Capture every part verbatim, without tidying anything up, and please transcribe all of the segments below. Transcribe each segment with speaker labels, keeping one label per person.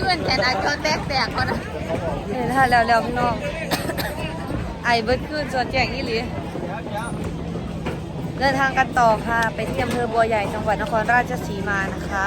Speaker 1: พื่อนแขนอาจจะแตกแตกก็ได้
Speaker 2: เห็นท่าแล้วแล้วพี่น้องไอเบิร์ดขึ้นส่วนแจงอีหลีเดินทางกันต่อค่ะไปที่อำเภอบัวใหญ่จังหวัดนครราชสีมานะคะ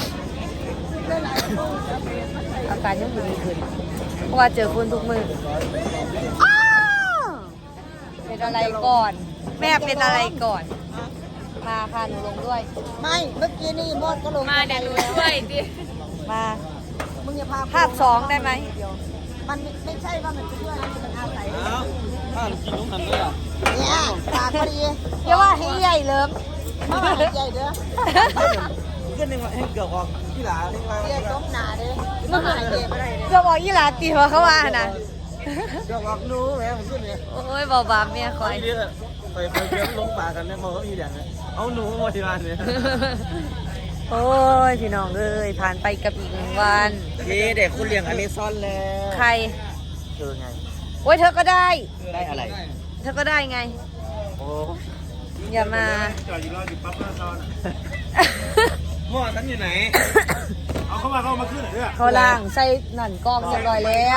Speaker 2: อาการยังดีขึ้นเพราะว่าเจอคุณทุกมืออ้าวเป็นอะไรก่อน แม่เป็นอะไรก่อนมาค่ะหนูลงด้วย
Speaker 1: ไม่เมื่อกี้นี่มดก็ลง
Speaker 2: มาเดี๋ยวหนูช่วยดิมา
Speaker 1: มึงอย่าพา
Speaker 2: ภาพสองได้ไหม
Speaker 1: มันไม่ใช่ว่ามันจะช่วยนะมันอาศัย
Speaker 3: ถ้ากินน้องหันเลยอ่ะ
Speaker 1: เนี่ยปากพอดี
Speaker 2: อย่าว่าให้ใหญ่เลิม
Speaker 1: มาใหญ่เด้อ
Speaker 3: ขึ้นหนึ่งให้เกือบออกที่หลาที่มา
Speaker 1: เรียกต้มหนาเด้อมันหายเจ็บอะไรเด้อ
Speaker 2: ก็บอกยี่หลาตีหัวเขาว่านะ
Speaker 3: เกือบออกนู้แม่ผมขึ้นเนี่ย
Speaker 2: โอ้ยเบาบาเมียคอย
Speaker 3: เยอะไปไปเยอะลงป่ากันเนี่ยพอเขาอีอย่างเนี่ยเอาหนูมาที่ร้านเนี่ย
Speaker 2: โอ้ยพี่น้องเอ้ยผ่านไปกับอีกหนึ่งวัน
Speaker 3: นี่เด็กคุณเลี้ยงอเมซอนแล้ว
Speaker 2: ใคร
Speaker 3: เธอไง
Speaker 2: โอ้ยเธอก็ได้
Speaker 3: ได้อะไร
Speaker 2: เธอก็ได้ไง
Speaker 3: โอ้
Speaker 2: อย่ามา
Speaker 3: จอดอยู่รออยู่ปั๊บหน้าซอนหม้อฉันอยู่ไหนเอาเข้ามาเข้ามาขึ้นหน่อยด้วย
Speaker 2: เขาล่างใส่หนันกล้องเรียบร้อยแล้ว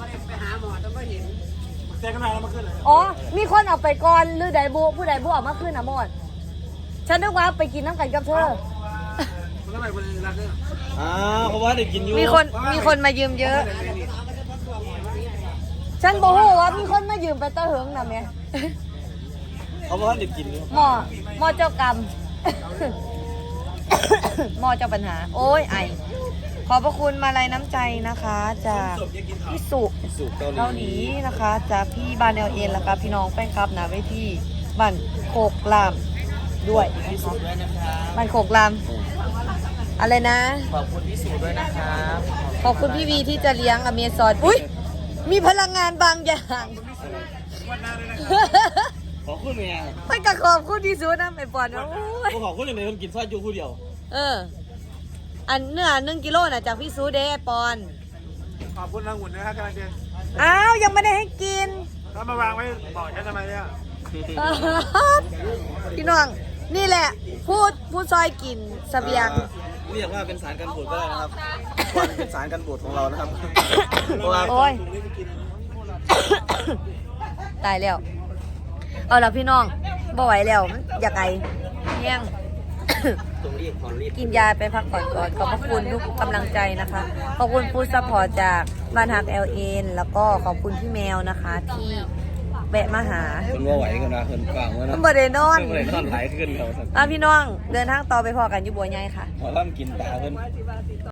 Speaker 3: แจ้งกันมาแล้วมาขึ้นเลย
Speaker 2: อ๋อมีคนเอาไปก่อนหรือใดบุผู้ใดบุออกมาขึ้นนะหมดฉันนึกว่าไปกินน้ำกันกับเธอ
Speaker 3: คุณทำไมคุณรักเนี่ยอ้าวเพราะว่าเด็กกินอยู่
Speaker 2: มีคนมีคนมายืมเยอะ ฉันบอกว่ามีคนมายืมไปเตะเหิงนะแม่
Speaker 3: เขาบอกว่าเด็กกินอยู่
Speaker 2: หมอหมอเจ้ากรรม หมอเจ้าปัญหา โอ้ยไอขอบพระคุณมาลัยน้ำใจนะคะจากพี่สุ
Speaker 3: สุกเกา
Speaker 2: เกา
Speaker 3: ห
Speaker 2: ห
Speaker 3: ลี
Speaker 2: ลีนะคะจากพี่บานเอลเอ็นแล้วก็พี่น้องแป้งครับนะไว้ที่บ้านโคกลามด้วยนะ
Speaker 3: พี่สุ
Speaker 2: คะ
Speaker 3: ด้วยนะครับ
Speaker 2: บ้านโคกลามอะไรนะ
Speaker 3: ขอบคุณพี่สุด้วยนะครับ
Speaker 2: ขอบคุณพี่วีที่จะเลี้ยงอเมซอนอุ้ยมีพลังงานบางอย่าง
Speaker 3: ขอบคุณเมีย
Speaker 2: ไม่กระขอบคุณที่สุดนะไอ้ปอนว่าโอ้ย
Speaker 3: ขอบคุณเลยคนกินซอยจูผู้เดียว
Speaker 2: เออ อันเนื้อหนึ่งกิโลน่ะจากพี่ซูเดไอ้ปอน
Speaker 3: ขอบคุณทางหุ่นนะครับกำลังจะ
Speaker 2: อ้าวยังไม่ได้ให้กิน
Speaker 3: ถ้ามาวางไว้บอกฉันทำไมเนี่ย
Speaker 2: พี่น้องนี่แหละพูดพูดซอยกินเสบียง
Speaker 3: เรียกว่าเป็นสารกันบูดก็ได้นะครับเป็นสารกันบูดของเรานะครับ
Speaker 2: โอ้ย ตายแล้ว เอาละพี่น้องบ่ไหวแล้วมันอยากไอเที่ยง
Speaker 3: ตรงรีบขอรีบ
Speaker 2: กินยาไปพักผ่อนก่อนขอบพระคุณทุกกำลังใจนะคะ ขอบคุณฟู้ดซัพพอร์ตจากบ้านฮักเอลเอ็นแล้วก็ขอบคุณพี่แมวนะคะ ที่แวะมาหา
Speaker 3: คนว่าไหวกันนะคนฟังว่า
Speaker 2: มั
Speaker 3: นะ
Speaker 2: นบ่ได้นอน
Speaker 3: เพื่อนเลยนอนหลายขึ้นเราสัก
Speaker 2: อ่ะพี่น้องเดินทางต่อไปพอกันอยู่บัวใหญ่ค่ะ
Speaker 3: หมอล่ำกินตาเพื่อน